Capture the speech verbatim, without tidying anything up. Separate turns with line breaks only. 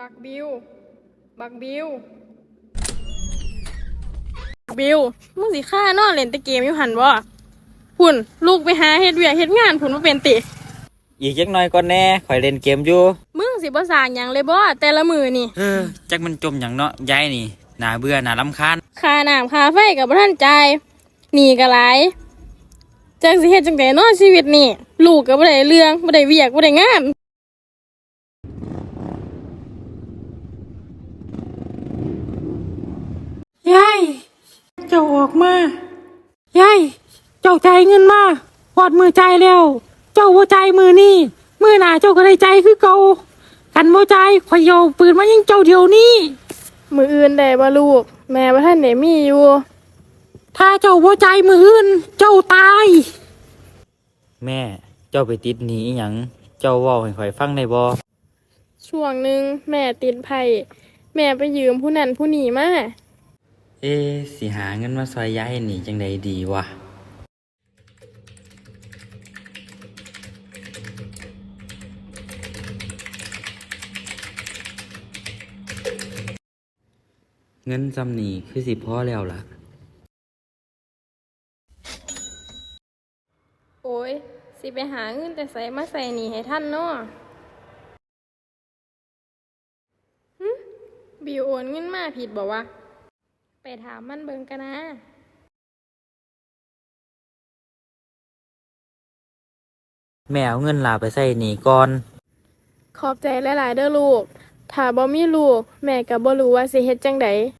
บักบิวบักบิวบิวมึงสิฆ่านอนเล่นแต่เกมอยู่หันบ่พุ่นลูกไปหาเฮ็ดเวียกเฮ็ดงานพุ่นมาเป็นติ
อีกจักหน่อยก่อนแน่ข่อยเล่นเกมอยู่
มึงสิบ่สร้างหยังเลยบ่แต่ละมื้อนี่
เออจักมันจมหยังเนาะยายนี่น่าเบื่อน่ารำคาญ
ค่าน้ำค่าไฟก็บ่ทันจ่ายหนี้ก็หลายจักสิเฮ็ดจังได๋เนาะชีวิตนี่ลูกก็บ่ได้เรื่องบ่ได้เวียกบ่ได้งาน
ยายเจ้าออกมายายเจ้าจ่ายเงินมาพอดมือจ่ายแล้วเจ้าบ่จ่ายมือนี่มือหน้าเจ้าก็ได้จ่ายคือเก่ากันบ่จ่ายข่อยเอาปืนมายิงเจ้าเดี๋ยวนี้
มื้ออื่นได้บ่ลูกแม่บ่ทันได้มีอยู่
ถ้าเจ้าบ่จ่ายมืออื่นเจ้าตาย
แม่เจ้าไปติดหนี้อีหยังเจ้าเว้าให้ข่อยฟังได้บ่
ช่วงหนึ่งแม่ติดไผ่แม่ไปยืมผู้นั้นผู้นี้มา
เอ๊ะสิหาเงินมาซอยยายหนี้จังใดดีวะเงินจำหนี้คือสิพอแล้วล่ะ
โอ้ยสิไปหาเงินแต่ใส่มาใส่หนี้ให้ท่านเนาะหึบิวโอนเงินมาผิดบอกว่าไปถามมันเบิ่งกันนะ
แม่เอาเงินลาไปใส่หนี้ก่อน
ขอบใจหลายๆเด้อลูกถ้าบ่มีลูกแม่ก็บ่รู้ว่าสิเฮ็ดจังได